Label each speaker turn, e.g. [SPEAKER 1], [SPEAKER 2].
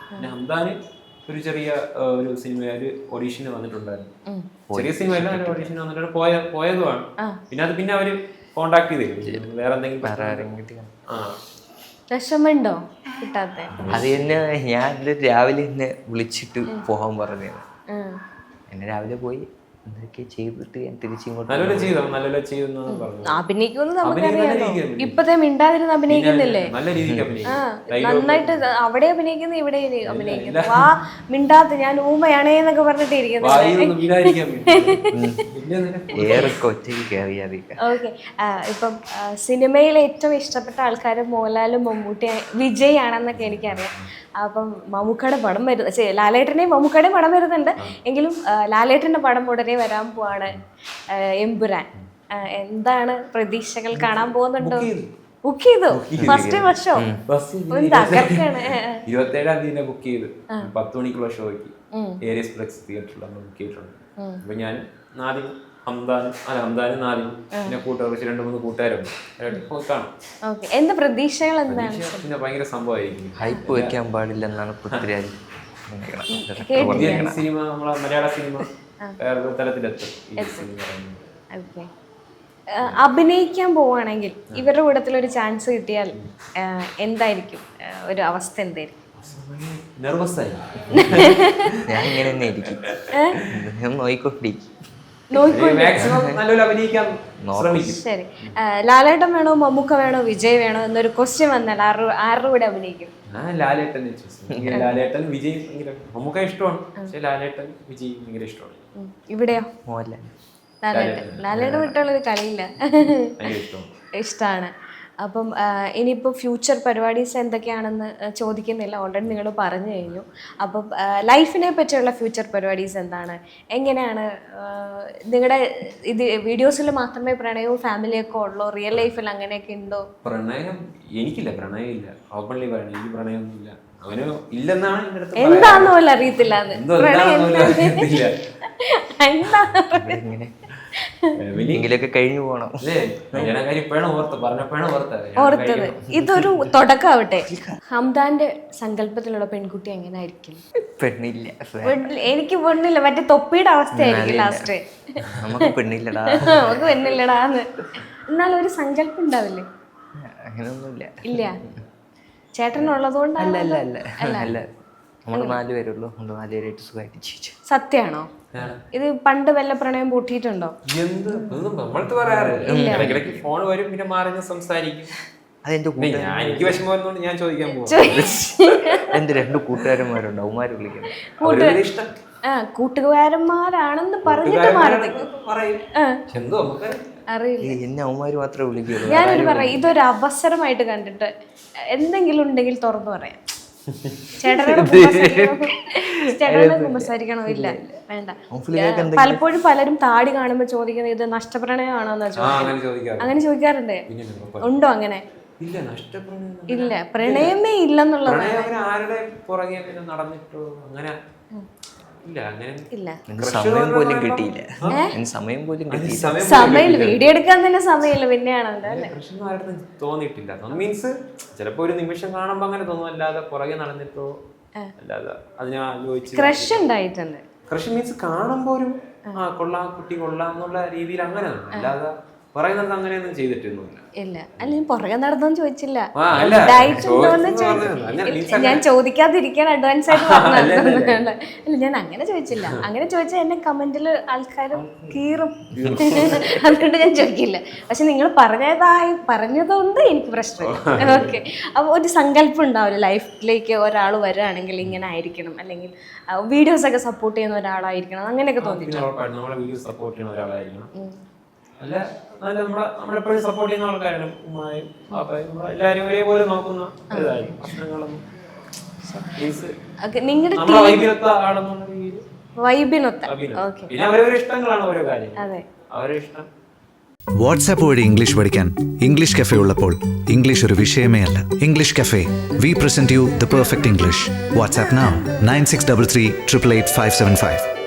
[SPEAKER 1] പിന്നെ ഹംദാന് ഒരു ചെറിയ ഒരു സിനിമ ഒരു ഓഡീഷന് വന്നിട്ടുണ്ടായിരുന്നു. ചെറിയ സിനിമ അല്ല, ഒരു ഓഡീഷന് വന്നിട്ട് പോയതുമാണ്. പിന്നെ അവര് കോണ്ടാക്ട് ചെയ്തു വേറെ എന്തെങ്കിലും.
[SPEAKER 2] വിഷമുണ്ടോ കിട്ടാത്ത?
[SPEAKER 3] അത് തന്നെ ഞാൻ രാവിലെ എന്നെ വിളിച്ചിട്ട് പോകാൻ പറഞ്ഞത്. എന്നെ രാവിലെ പോയി എന്തൊക്കെ ചെയ്തിട്ട് ഞാൻ തിരിച്ചിങ്ങോട്ട്
[SPEAKER 2] അഭിനയിക്കുമെന്ന് നമുക്കറിയാലോ. ഇപ്പത്തെ മിണ്ടാതിരുന്ന് അഭിനയിക്കുന്നില്ലേ? നന്നായിട്ട് അവിടെ അഭിനയിക്കുന്നു, ഇവിടെ അഭിനയിക്കുന്നു. ആ മിണ്ടാത്ത ഞാൻ ഊമയാണേന്നൊക്കെ പറഞ്ഞിട്ട് ഇരിക്കുന്നത്. ഓക്കെ, ഇപ്പം സിനിമയിൽ ഏറ്റവും ഇഷ്ടപ്പെട്ട ആൾക്കാർ മോഹൻലാലും മമ്മൂട്ടി വിജയ് ആണെന്നൊക്കെ എനിക്കറിയാം. അപ്പം മമ്മൂക്കയുടെ പടം വരുന്നത്, ലാലേട്ടൻ്റെയും മമ്മൂക്കയുടെയും പടം വരുന്നുണ്ട്. എങ്കിലും ലാലേട്ടൻ്റെ പടം ഉടനെ വരാൻ പോവാണ്, എമ്പുരാൻ. എന്താണ് പ്രതീക്ഷകൾ? കാണാൻ പോകുന്നുണ്ടോ? ബുക്ക് ചെയ്തു ഫസ്റ്റ് വർഷോ?
[SPEAKER 1] 27-ാം തീയതി ബുക്ക് ചെയ്ത് 10 മണിക്കുള്ള ഷോയ്ക്ക് ഏരിയസ് ഫ്ലെക്സ് തിയേറ്ററിൽ നമ്മൾ ബുക്ക് ചെയ്തിട്ടുണ്ട്. അപ്പൊ ഞാൻ നാദിം ഹംദാനും നാദിം പിന്നെ കുറച്ച് 2-3 കൂട്ടുകാരുണ്ട്. കാണാം.
[SPEAKER 2] എന്താ പ്രതീക്ഷകൾ? എന്താണ്?
[SPEAKER 1] പിന്നെ ഭയങ്കര സംഭവമായിരിക്കും.
[SPEAKER 3] ഹൈപ്പ് വെക്കാൻ പാടില്ലെന്നാണ് പൃഥ്വിരാജ്.
[SPEAKER 1] സിനിമ നമ്മളെ മലയാള സിനിമ വേറെ തലത്തിലെത്തും.
[SPEAKER 2] അഭിനയിക്കാൻ പോവാണെങ്കിൽ ഇവരുടെ കൂട്ടത്തിൽ ഒരു ചാൻസ് കിട്ടിയാൽ എന്തായിരിക്കും ഒരു അവസ്ഥ? എന്തായിരിക്കും?
[SPEAKER 1] നെർവസായി
[SPEAKER 3] ഞാൻ ഇങ്ങനെ തന്നെ ഇരിക്കും, നോയിക്കൊണ്ടിരിക്കും.
[SPEAKER 2] ശരി, ലാലേട്ടൻ വേണോ മമ്മൂക്ക വേണോ വിജയ് വേണോ എന്നൊരു ക്വസ്റ്റ്യൻ വന്നാൽ ആരുടെ കൂടെ അഭിനയിക്കും?
[SPEAKER 1] ലാലേട്ടൻ വിജയ് മമ്മൂക്ക ഇഷ്ടമാണ്, പക്ഷെ ലാലേട്ടൻ വിജയ് ഭയങ്കര ഇഷ്ടമാണ്.
[SPEAKER 2] ഇവിടെയോ?
[SPEAKER 3] മോഹൻലാൽ.
[SPEAKER 2] ലാലേട്ടൻ വിട്ടുള്ളൊരു കളിയില്ല, ഇഷ്ടമാണ്. അപ്പം ഇനിയിപ്പോൾ ഫ്യൂച്ചർ പരിപാടീസ് എന്തൊക്കെയാണെന്ന് ചോദിക്കുന്നില്ല, ഓൾറെഡി നിങ്ങൾ പറഞ്ഞു കഴിഞ്ഞു. അപ്പം ലൈഫിനെ പറ്റിയുള്ള ഫ്യൂച്ചർ പരിപാടീസ് എന്താണ്? എങ്ങനെയാണ് നിങ്ങളുടെ ഇത്? വീഡിയോസിൽ മാത്രമേ പ്രണയവും ഫാമിലിയൊക്കെ ഉള്ളൂ, റിയൽ ലൈഫിൽ അങ്ങനെയൊക്കെ ഉണ്ടോ?
[SPEAKER 1] പ്രണയം എനിക്കില്ല, പ്രണയം ഇല്ല. ഓപ്പൺലി പറയണം, എനിക്ക് പ്രണയമൊന്നുമില്ല. അവന് ഇല്ലെന്നാണ്
[SPEAKER 2] എന്താന്ന് പോലും അറിയത്തില്ല.
[SPEAKER 3] എങ്കിലൊക്കെ കഴിഞ്ഞു പോകണം.
[SPEAKER 2] ഓർത്തത് ഇതൊരു തുടക്കമാവട്ടെ. ഹംദാന്റെ സങ്കല്പത്തിലുള്ള പെൺകുട്ടി എങ്ങനെയായിരിക്കും?
[SPEAKER 3] പെണ്ണില്ല,
[SPEAKER 2] എനിക്ക് പെണ്ണില്ല, മറ്റേ തൊപ്പിയുടെ അവസ്ഥയായിരിക്കും ലാസ്റ്റ്.
[SPEAKER 3] നമുക്ക് പെണ്ണില്ലടാ,
[SPEAKER 2] നമുക്ക് പെണ്ണില്ലടാന്ന്. എന്നാൽ ഒരു സങ്കല്പം ഉണ്ടാവില്ലേ?
[SPEAKER 3] അങ്ങനെയൊന്നുമില്ല.
[SPEAKER 2] ഇല്ല, ചേട്ടനുള്ളതുകൊണ്ടല്ല.
[SPEAKER 3] നമ്മൾ 4 പേരുള്ളൂ, 4 പേരായിട്ട് സുഖമായിട്ട് ജീവിച്ചു.
[SPEAKER 2] സത്യമാണോ? ഇത് പണ്ട് വല്ല പ്രണയം പൂട്ടിയിട്ടുണ്ടോ?
[SPEAKER 1] ഫോൺ വരും, പിന്നെ മാറി സംസാരിക്കും.
[SPEAKER 3] അതെന്റെ
[SPEAKER 1] എനിക്ക് വിഷമം ഞാൻ ചോദിക്കാൻ പോകും.
[SPEAKER 3] എന്റെ 2 കൂട്ടുകാരന്മാരുണ്ട്, അവന്മാര് വിളിക്കണം.
[SPEAKER 2] കൂട്ടുകാരന്മാരാണെന്ന് പറഞ്ഞിട്ട് മാറി അറിയില്ല,
[SPEAKER 3] എന്നെ അവന്മാര് മാത്രമേ വിളിക്കുള്ളൂ.
[SPEAKER 2] ഞാനൊരു പറയാം, ഇതൊരു അവസരമായിട്ട് കണ്ടിട്ട് എന്തെങ്കിലും ഉണ്ടെങ്കിൽ തുറന്നു പറയാം. ചേട്ടനോട് കുമ്പസാരിക്കണോ? ഇല്ല, വേണ്ട. പലപ്പോഴും പലരും താടി കാണുമ്പോ ചോദിക്കുന്നത് ഇത് നഷ്ടപ്രണയമാണോന്നാ ചോദിക്കുന്നത്. അങ്ങനെ ചോദിക്കാറുണ്ട്. ഉണ്ടോ അങ്ങനെ? ഇല്ല, പ്രണയമേ ഇല്ലെന്നുള്ളത്.
[SPEAKER 3] സമയം പോലും കിട്ടിയില്ല.
[SPEAKER 2] സമയം വീഡിയോ എടുക്കാൻ തന്നെ സമയമില്ല, പിന്നെയാണല്ലോ അല്ലേ?
[SPEAKER 1] തോന്നിയിട്ടില്ല. മീൻസ് ചിലപ്പോ ഒരു നിമിഷം കാണുമ്പോ അങ്ങനെ തോന്നും, അല്ലാതെ പുറകെ നടന്നിട്ടോ അല്ലാതെ അതിനെ ആലോചിച്ച്
[SPEAKER 2] ക്രഷ് ഉണ്ടായിട്ടുണ്ട്.
[SPEAKER 1] ക്രഷ് മീൻസ് കാണുമ്പോ ഒരു കൊള്ളാം, കുട്ടി കൊള്ളാം എന്നുള്ള രീതിയിൽ അങ്ങനെ, അല്ലാതെ പുറകെ നടന്ന് അങ്ങനെയൊന്നും ചെയ്തിട്ടൊന്നുമില്ല.
[SPEAKER 2] ഇല്ല, അല്ല ഞാൻ പുറകെ നടന്നോന്ന് ചോദിച്ചില്ല, ഞാൻ ചോദിക്കാതിരിക്കാൻ അഡ്വാൻസ് ആയിട്ട് പറഞ്ഞല്ല. ഞാൻ അങ്ങനെ ചോദിച്ചില്ല. അങ്ങനെ ചോദിച്ചാൽ എന്നെ കമന്റിൽ ആൾക്കാർ കീറും, അതുകൊണ്ട് ഞാൻ ചോദിക്കില്ല. പക്ഷെ നിങ്ങൾ പറഞ്ഞതുകൊണ്ട് എനിക്ക് പ്രശ്നമില്ല. ഓക്കെ, അപ്പോൾ ഒരു സങ്കല്പം ഉണ്ടാവില്ല ലൈഫിലേക്ക് ഒരാൾ വരികയാണെങ്കിൽ ഇങ്ങനെ ആയിരിക്കണം, അല്ലെങ്കിൽ വീഡിയോസ് ഒക്കെ സപ്പോർട്ട് ചെയ്യുന്ന ഒരാളായിരിക്കണം, അങ്ങനെയൊക്കെ തോന്നിയിട്ടുണ്ട്.
[SPEAKER 1] അല്ല, നമ്മളെപ്പോഴും സപ്പോർട്ട് ചെയ്യുന്ന ആൾക്കാരാണ്. എല്ലാവരും ഒരേപോലെ നോക്കുന്ന പ്രശ്നങ്ങളൊന്നും പിന്നെ അവരവരുടെ ഇഷ്ടങ്ങളാണ് ഓരോ കാര്യം, അവരുടെ ഇഷ്ടം.
[SPEAKER 4] വാട്സാപ്പ് വഴി ഇംഗ്ലീഷ് പഠിക്കാൻ ഇംഗ്ലീഷ് കഫേ ഉള്ളപ്പോൾ ഇംഗ്ലീഷ് ഒരു വിഷയമേ അല്ല. English cafe, we present you the perfect English. WhatsApp now 9633 888 575.